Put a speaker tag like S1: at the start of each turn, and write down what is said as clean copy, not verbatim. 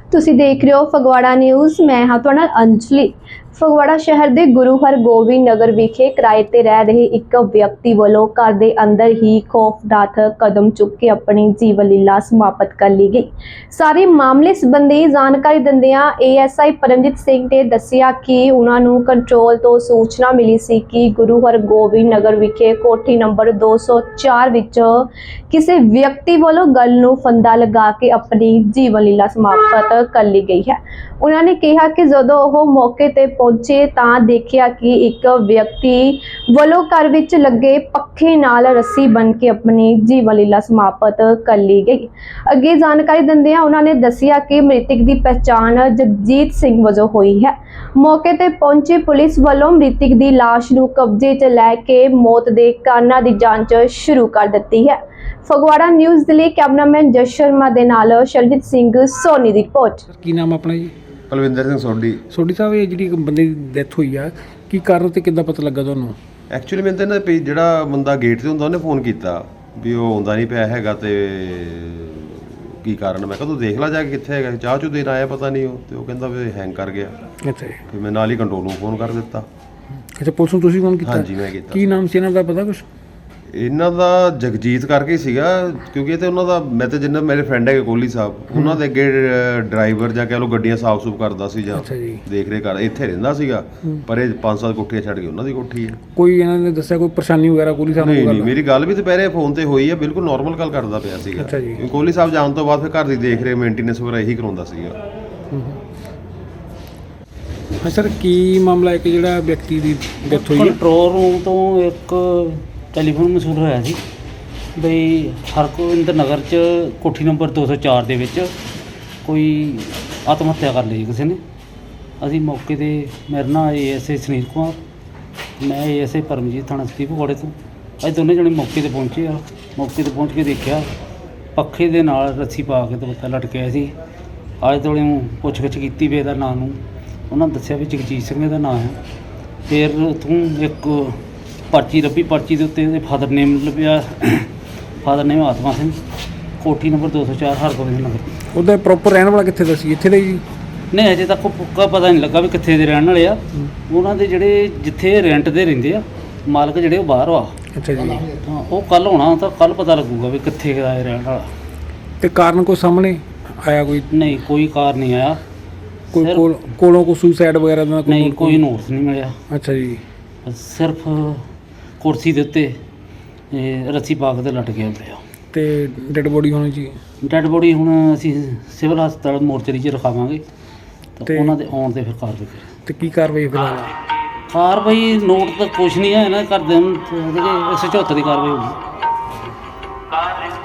S1: ਤੁਸੀਂ ਦੇਖ ਰਹੇ ਹੋ ਫਗਵਾੜਾ ਨਿਊਜ਼। ਮੈਂ ਹਾਂ ਤੁਹਾਡੇ ਨਾਲ ਅੰਜਲੀ। ਫਗਵਾੜਾ ਸ਼ਹਿਰ ਦੇ ਗੁਰੂ ਹਰਗੋਬਿੰਦ ਨਗਰ ਵਿਖੇ ਕਿਰਾਏ ਤੇ ਰਹਿ ਰਹੇ ਇੱਕ ਵਿਅਕਤੀ ਵੱਲੋਂ ਘਰ ਦੇ ਅੰਦਰ ਹੀ ਖੌਫਨਾਕ ਕਦਮ ਚੁੱਕ ਕੇ ਆਪਣੀ ਜੀਵਨ ਲੀਲਾ ਸਮਾਪਤ ਕਰ ਲਈ ਗਈ। ਸਾਰੇ ਮਾਮਲੇ ਸੰਬੰਧੀ ਜਾਣਕਾਰੀ ਦਿੰਦਿਆਂ ASI ਪਰਮਜੀਤ ਸਿੰਘ ਨੇ ਦੱਸਿਆ ਕਿ ਉਹਨਾਂ ਨੂੰ ਕੰਟਰੋਲ ਤੋਂ ਸੂਚਨਾ ਮਿਲੀ ਸੀ ਕਿ ਗੁਰੂ ਹਰਗੋਬਿੰਦ ਨਗਰ ਵਿਖੇ ਕੋਠੀ ਨੰਬਰ 204 ਵਿੱਚ ਕਿਸੇ ਵਿਅਕਤੀ ਵੱਲੋਂ ਗਲ ਨੂੰ ਫੰਦਾ ਲਗਾ ਕੇ ਆਪਣੀ ਜੀਵਨ ਲੀਲਾ ਸਮਾਪਤ ਕਰ ਲਈ ਗਈ ਹੈ। ਉਹਨਾਂ ਨੇ ਕਿਹਾ ਕਿ ਜਦੋਂ ਉਹ ਮੌਕੇ ਤੇ ਪਹੁੰਚੇ ਤਾਂ ਦੇਖਿਆ ਕਿ ਇੱਕ ਵਿਅਕਤੀ ਵੱਲੋਂ ਘਰ ਵਿੱਚ ਲੱਗੇ ਪੱਖੇ ਨਾਲ ਰੱਸੀ ਬੰਨ੍ਹ ਕੇ ਆਪਣੀ ਜੀਵਨ ਲੀਲਾ ਸਮਾਪਤ ਕਰ ਲਈ ਗਈ। ਅੱਗੇ ਜਾਣਕਾਰੀ ਦਿੰਦਿਆਂ ਉਹਨਾਂ ਨੇ ਦੱਸਿਆ ਕਿ ਮ੍ਰਿਤਕ ਦੀ ਪਛਾਣ ਜਗਜੀਤ ਸਿੰਘ ਵਜੋਂ ਹੋਈ ਹੈ। ਮੌਕੇ ਤੇ ਪਹੁੰਚੀ ਪੁਲਿਸ ਵੱਲੋਂ ਮ੍ਰਿਤਕ ਦੀ ਲਾਸ਼ ਨੂੰ ਕਬਜ਼ੇ 'ਚ ਲੈ ਕੇ ਮੌਤ ਦੇ ਕਾਰਨਾਂ ਦੀ ਜਾਂਚ ਸ਼ੁਰੂ ਕਰ ਦਿੱਤੀ ਹੈ। ਫਗਵਾੜਾ ਨਿਊਜ਼ ਦੇ ਲਈ ਕੈਮਰਾਮੈਨ ਜਸ ਸ਼ਰਮਾ ਦੇ ਨਾਲ ਸ਼ਰਜੀਤ ਸਿੰਘ ਸੋਨੀ ਦੀ ਰਿਪੋਰਟ।
S2: ਕੀ ਨਾਮ ਆਪਣਾ ਜੀ?
S3: ਕੁਲਵਿੰਦਰ ਸਿੰਘ ਸੋਢੀ।
S2: ਸੋਢੀ ਸਾਹਿਬ, ਇਹ ਜਿਹੜੀ ਬੰਦੇ ਦੀ ਡੈਥ ਹੋਈ ਆ, ਕੀ ਕਾਰਨ ਤੇ ਕਿੱਦਾਂ ਪਤਾ ਲੱਗਾ ਤੁਹਾਨੂੰ?
S3: ਐਕਚੁਅਲੀ ਮੈਨੂੰ ਤਾਂ ਇਹਨਾਂ ਦੇ ਜਿਹੜਾ ਬੰਦਾ ਗੇਟ ਤੇ ਹੁੰਦਾ ਉਹਨੇ ਫੋਨ ਕੀਤਾ ਵੀ ਉਹ ਆਉਂਦਾ ਨਹੀਂ ਪਿਆ ਹੈਗਾ ਤੇ ਕੀ ਕਾਰਨ। ਮੈਂ ਕਿਹਾ ਤੂੰ ਦੇਖ ਲੈ ਜਾ ਕੇ ਕਿੱਥੇ ਹੈਗਾ। ਚਾਹ ਚੂ ਦੇਣ ਆਇਆ ਪਤਾ ਨਹੀਂ ਉਹ, ਤੇ ਉਹ ਕਹਿੰਦਾ ਵੀ ਹੈਂਗ ਕਰ ਗਿਆ।
S2: ਅੱਛਾ ਜੀ।
S3: ਫਿਰ ਮੈਂ ਨਾਲ ਹੀ ਕੰਟਰੋਲ ਨੂੰ ਫੋਨ ਕਰ ਦਿੱਤਾ।
S2: ਅੱਛਾ, ਪੁਲਿਸ ਨੂੰ ਤੁਸੀਂ ਫੋਨ ਕੀਤਾ?
S3: ਹਾਂਜੀ ਮੈਂ ਕੀਤਾ।
S2: ਕੀ ਨਾਮ ਸੀ ਇਹਨਾਂ ਦਾ, ਪਤਾ ਕੁਛ?
S3: ਇਹਨਾਂ ਦਾ ਜਗਜੀਤ ਕਰਕੇ ਹੀ ਸੀਗਾ, ਕਿਉਂਕਿ ਇਹ ਤੇ ਉਹਨਾਂ ਦਾ, ਮੈਂ ਤੇ ਜਿੰਨਾ ਮੇਰੇ ਫਰੈਂਡ ਹੈਗੇ ਕੋਹਲੀ ਸਾਹਿਬ, ਉਹਨਾਂ ਦੇ ਅੱਗੇ ਡਰਾਈਵਰ ਜਾਂ ਕਹਿ ਲਓ ਗੱਡੀਆਂ ਸਾਫ਼ ਸੂਫ ਕਰਦਾ ਸੀ ਜਾਂ ਦੇਖ ਰੇਖ ਕਰ, ਇੱਥੇ ਰਹਿੰਦਾ ਸੀਗਾ। ਪਰ ਇਹ 5-7 ਕੋਠੀਆਂ ਛੱਡ ਕੇ ਉਹਨਾਂ ਦੀ ਕੋਠੀ ਹੈ।
S2: ਕੋਈ ਇਹਨਾਂ ਨੇ ਦੱਸਿਆ ਕੋਈ ਪਰੇਸ਼ਾਨੀ ਵਗੈਰਾ ਕੋਹਲੀ ਸਾਹਿਬ ਨੂੰ?
S3: ਨਹੀਂ, ਮੇਰੀ ਗੱਲ ਵੀ ਦੁਪਹਿਰੇ ਫੋਨ ਤੇ ਹੋਈ ਹੈ, ਬਿਲਕੁਲ ਨਾਰਮਲ ਗੱਲ ਕਰਦਾ ਪਿਆ ਸੀਗਾ।
S2: ਅੱਛਾ ਜੀ।
S3: ਕੋਹਲੀ ਸਾਹਿਬ ਜਾਣ ਤੋਂ ਬਾਅਦ ਫਿਰ ਘਰ ਦੀ ਦੇਖ ਰੇਖ ਮੇਨਟੇਨੈਂਸ ਵਗੈਰਾ ਇਹੀ ਕਰਾਉਂਦਾ ਸੀਗਾ।
S2: ਹਾਂ ਸਰ, ਕੀ ਮਾਮਲਾ ਹੈ ਕਿ ਜਿਹੜਾ ਵਿਅਕਤੀ ਦੀ ਡੈਥ ਹੋਈ ਹੈ?
S4: ਕੰਟਰੋਲ ਰੂਮ ਤੋਂ ਇੱਕ ਟੈਲੀਫੋਨ ਮਸੂਲ ਹੋਇਆ ਸੀ ਬਈ ਹਰਗੋਬਿੰਦ ਨਗਰ 'ਚ ਕੋਠੀ ਨੰਬਰ 204 ਦੇ ਵਿੱਚ ਕੋਈ ਆਤਮ ਹੱਤਿਆ ਕਰ ਲਈ ਕਿਸੇ ਨੇ। ਅਸੀਂ ਮੌਕੇ 'ਤੇ, ਮੇਰੇ ਨਾਲ ASI ਸੁਨੀਲ ਕੁਮਾਰ, ਮੈਂ ASI ਪਰਮਜੀਤ, ਥਾਣਾ ਸਿਟੀ ਫਗਵਾੜੇ ਤੋਂ, ਅਸੀਂ ਦੋਨੇ ਜਣੇ ਮੌਕੇ 'ਤੇ ਪਹੁੰਚੇ ਆ। ਮੌਕੇ 'ਤੇ ਪਹੁੰਚ ਕੇ ਦੇਖਿਆ ਪੱਖੇ ਦੇ ਨਾਲ ਰੱਸੀ ਪਾ ਕੇ ਦੁਪੱਟਾ ਲਟਕਿਆ ਸੀ। ਆਲੇ ਦੁਆਲੇ ਨੂੰ ਪੁੱਛ ਗਿੱਛ ਕੀਤੀ ਵੀ ਇਹਦਾ ਨਾਂ ਨੂੰ, ਉਹਨਾਂ ਦੱਸਿਆ ਵੀ ਜਗਜੀਤ ਸਿੰਘ ਦਾ ਨਾਂ ਹੈ। ਫਿਰ ਉੱਥੋਂ ਇੱਕ ਪਰਚੀ ਲੱਭੀ, ਪਰਚੀ ਦੇ ਉੱਤੇ ਉਹਦੇ ਫਾਦਰ ਨੇਮ ਲੱਭਿਆ, ਫਾਦਰ ਨੇਮ ਆਤਮਾ ਸਿੰਘ, ਕੋਠੀ ਨੰਬਰ 204 ਹਰਗੋਬਿੰਦ ਨਗਰ।
S2: ਉਹਦਾ ਪ੍ਰੋਪਰ ਰਹਿਣ ਵਾਲਾ ਕਿੱਥੇ ਦਾ ਸੀ? ਇੱਥੇ ਦਾ ਜੀ?
S4: ਨਹੀਂ, ਅਜੇ ਤੱਕ ਪੱਕਾ ਪਤਾ ਨਹੀਂ ਲੱਗਾ ਵੀ ਕਿੱਥੇ ਦੇ ਰਹਿਣ ਵਾਲੇ ਆ। ਉਹਨਾਂ ਦੇ ਜਿਹੜੇ ਜਿੱਥੇ ਰੈਂਟ ਦੇ ਰਹਿੰਦੇ ਆ ਮਾਲਕ, ਜਿਹੜੇ ਉਹ ਬਾਹਰ ਆ।
S2: ਅੱਛਾ ਜੀ।
S4: ਹਾਂ, ਉਹ ਕੱਲ੍ਹ ਹੋਣਾ, ਤਾਂ ਕੱਲ੍ਹ ਪਤਾ ਲੱਗੂਗਾ ਵੀ ਕਿੱਥੇ ਦਾ ਇਹ ਰਹਿਣ ਵਾਲਾ।
S2: ਤੇ ਕਾਰਨ ਕੋਈ ਸਾਹਮਣੇ ਆਇਆ? ਕੋਈ
S4: ਨਹੀਂ, ਕੋਈ ਕਾਰ ਨਹੀਂ ਆਇਆ।
S2: ਕੋਈ ਕੋਲੋਂ ਕੋਈ ਸੁਸਾਈਡ ਵਗੈਰਾ ਦਾ?
S4: ਨਹੀਂ, ਕੋਈ ਨੋਟਿਸ ਨਹੀਂ ਮਿਲਿਆ।
S2: ਅੱਛਾ ਜੀ।
S4: ਸਿਰਫ ਕੁਰਸੀ ਦੇ ਉੱਤੇ ਰੱਸੀ ਪਾ ਕੇ ਤੇ ਲਟ ਗਿਆ ਪਿਆ।
S2: ਤੇ ਡੈਡ ਬੋਡੀ ਹੋਣੀ ਜੀ?
S4: ਡੈਡ ਬੋਡੀ ਹੁਣ ਅਸੀਂ ਸਿਵਲ ਹਸਪਤਾਲ ਮੋਰਚਰੀ 'ਚ ਰਖਾਵਾਂਗੇ ਤੇ ਉਹਨਾਂ ਦੇ ਆਉਣ 'ਤੇ ਫਿਰ ਕਾਰਵਾਈ ਕਰਾਂਗੇ।
S2: ਤੇ ਕੀ ਕਾਰਵਾਈ ਫਿਲਹਾਲ?
S4: ਕਾਰਵਾਈ ਨੋਟ ਤਾਂ ਕੁਛ ਨਹੀਂ ਹੈ, ਇਹਨਾਂ ਦੇ ਘਰਦਿਆਂ ਨੂੰ 174 ਦੀ ਕਾਰਵਾਈ ਹੋਊਗੀ।